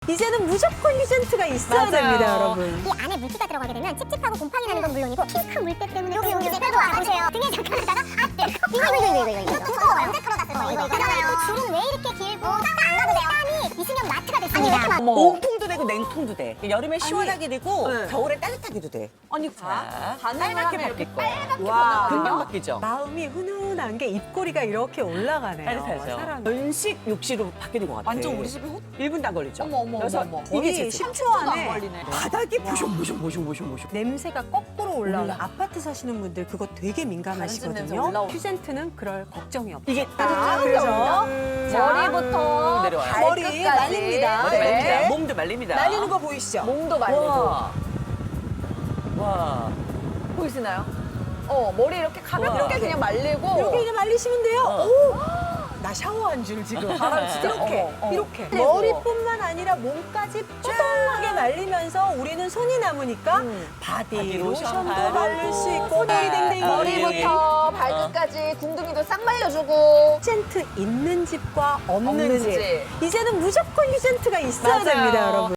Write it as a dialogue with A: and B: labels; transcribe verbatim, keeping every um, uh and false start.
A: 이제는 무조건 휴젠트가 있어야
B: 맞아요.
A: 됩니다, 여러분.
C: 이 안에 물기가 들어가게 되면 찝찝하고 곰팡이 나는 건 물론이고 핑크한 물때 때문에 여기 여기 빼고 와보세요. 등에 잠깐 하다가 아 네. 이거 이거 이거 이거 이거 이거 뜨거워요. 언제 털어갔을 거예요. 이거 그다음에 또 줄은 왜 이렇게 길고 땀 안 가도 돼요. 땀이 있으면 마트가 됐습니다.
B: 어머.
D: 온통도 되고 냉통도 돼. 여름에 시원하게 되고
A: 네.
D: 겨울에 따뜻하게도 돼.
B: 아니,
D: 자,
B: 반응을
D: 빨갛게
B: 하면 이렇게
D: 바뀔 거예요.
B: 빨갛게
A: 와.
D: 금방
B: 변하거든요.
D: 바뀌죠.
A: 마음이 훈훈한 게 입꼬리가 이렇게 올라가네요.
D: 따뜻하죠.
A: 사람.
D: 연식 욕실로 바뀌는 것 같아.
B: 완전 우리 집이 호...
D: 일 분도 안 걸리죠.
B: 어머, 어머,
D: 그래서
B: 어머, 어머.
D: 이게
A: 이게
D: 제
A: 십 초
B: 안
A: 안에
B: 걸리네.
D: 바닥이 보숑보숑보숑보숑보숑.
A: 냄새가 거꾸로 올라오는
D: 올라.
A: 아파트 사시는 분들 그거 되게
B: 냄새
A: 민감하시거든요.
B: 올라오죠.
A: 휴젠트는 그럴 걱정이 없어요.
D: 이게
A: 아,
D: 따뜻하죠.
A: 그래서
B: 머리부터
D: 내려와요.
A: 머리
B: 발끝까지.
A: 말립니다.
D: 머리
A: 네.
D: 말립니다. 몸도 말립니다.
A: 날리는 거 보이시죠?
B: 몸도 말리고.
D: 와. 와.
B: 보이시나요? 어, 머리 이렇게 가볍게
D: 우와.
B: 그냥 말리고.
A: 이렇게 그냥 말리시면 돼요.
D: 어.
A: 오! 나 샤워한 줄 지금.
B: 바람 진짜.
A: 이렇게,
B: 어머, 어머.
A: 이렇게.
B: 그리고.
A: 머리뿐만 아니라 몸까지 뽀송하게 말리면서 우리는 손이 남으니까
B: 음.
A: 바디
D: 바디
A: 로션도
D: 로션
A: 바를 수 있고
D: 바르고.
A: 댕댕댕
D: 아,
B: 머리부터 발끝까지 궁둥이도 싹 말려주고.
A: 휴젠트 있는 집과 없는,
B: 없는
A: 집.
B: 집.
A: 이제는 무조건 휴젠트가 있어야
D: 맞아요.
A: 됩니다, 여러분.